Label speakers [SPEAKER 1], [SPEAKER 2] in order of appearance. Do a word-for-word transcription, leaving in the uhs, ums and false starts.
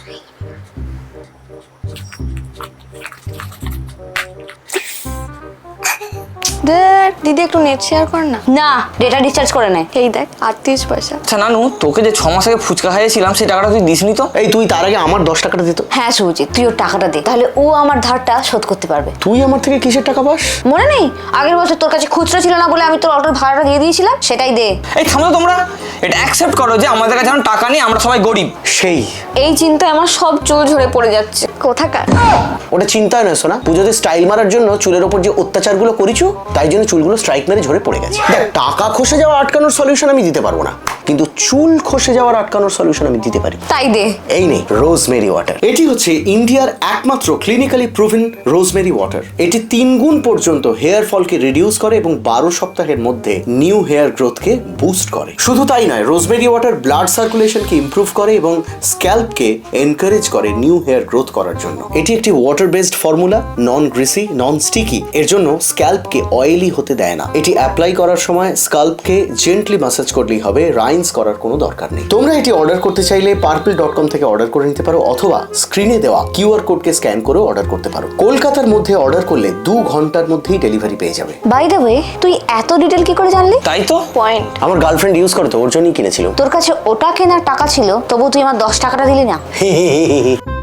[SPEAKER 1] দেখ দিদি একটু নেট শেয়ার কর না।
[SPEAKER 2] না, ডেটা রিচার্জ করে নে।
[SPEAKER 1] এই দেখ আটত্রিশ পয়সা।
[SPEAKER 3] আচ্ছা নানু, তোকে যে ছ মাস আগে ফুচকা খাইয়েছিলাম সেই টাকাটা তুই দিসনি তো?
[SPEAKER 4] এই তুই তার আগে আমার দশ টাকাটা দিত।
[SPEAKER 2] হ্যাঁ সুজিত, তুই ওর টাকাটা দে, তাহলে ও আমার ধারটা শোধ করতে পারবে।
[SPEAKER 4] তুই আমার থেকে কিসের টাকা পাস?
[SPEAKER 2] মনে নেই আগের বছর তোর কাছে খুচরো ছিল না বলে আমি তোর অটোর ভাড়াটা দিয়ে দিয়েছিলাম, সেটাই দে।
[SPEAKER 3] এই থামো তোমরা, এটা অ্যাকসেপ্ট করো যে আমাদের কাছে এখন টাকা নেই, আমরা সবাই গরিব।
[SPEAKER 4] সেই
[SPEAKER 1] এই চিন্তায় আমার সব চুল ঝরে পড়ে যাচ্ছে। কোথাকার
[SPEAKER 4] ওটা চিন্তায় নয় শোনা, পুজোতে স্টাইল মারার জন্য চুলের ওপর যে অত্যাচারগুলো করেছো তাই জন্য চুলগুলো স্ট্রাইক মেরে ঝরে পড়ে গেছে। দেখ, টাকা খসে যাওয়া আটকানোর সলিউশন আমি দিতে পারবো না, কিন্তু চুল খসে যাওয়ার আটকানোর সলিউশন আমি দিতে পারি।
[SPEAKER 1] তাই দে।
[SPEAKER 4] এই নেই রোজমেরি ওয়াটার। এটি হচ্ছে ইন্ডিয়ার একমাত্র ক্লিনিক্যালি প্রুভেন রোজমেরি ওয়াটার। এটি তিন গুণ পর্যন্ত হেয়ার ফলকে রিডিউস করে এবং বারো সপ্তাহের মধ্যে নিউ হেয়ার গ্রোথকে বুস্ট করে। শুধু তাই নয়, রোজমেরি ওয়াটার ব্লাড সার্কুলেশনকে ইমপ্রুভ করে এবং স্ক্যাল্পকে এনকারেজ করে নিউ হেয়ার গ্রোথ করার জন্য। এটি একটি water based formula, non greasy, non sticky. এর জন্য স্ক্যাল্পকে অয়েলি হতে দেয় না। এটি অ্যাপ্লাই করার সময় স্ক্যাল্পকে জেন্টলি ম্যাসাজ করলেই হবে, রাইন্স করার কোনো দরকার নেই। তোমরা এটি অর্ডার করতে চাইলে পার্পল ডট কম থেকে অর্ডার করে নিতে পারো, অথবা স্ক্রিনে দেওয়া কিউআর কোডকে স্ক্যান করেও অর্ডার করতে পারো। কলকাতার মধ্যে অর্ডার করলে দু ঘন্টার মধ্যেই ডেলিভারি পেয়ে যাবে।
[SPEAKER 2] বাই দ্য ওয়ে, তুই এত ডিটেল কি করে জানলি?
[SPEAKER 3] তাই তো,
[SPEAKER 1] পয়েন্ট।
[SPEAKER 4] আমার গার্লফ্রেন্ড ইউজ করে তো, ওর জন্যই কিনেছিল।
[SPEAKER 2] তোর কাছে ওটা কেনার টাকা ছিল, তবু তুই আমার দশ টাকাটা দিলি না।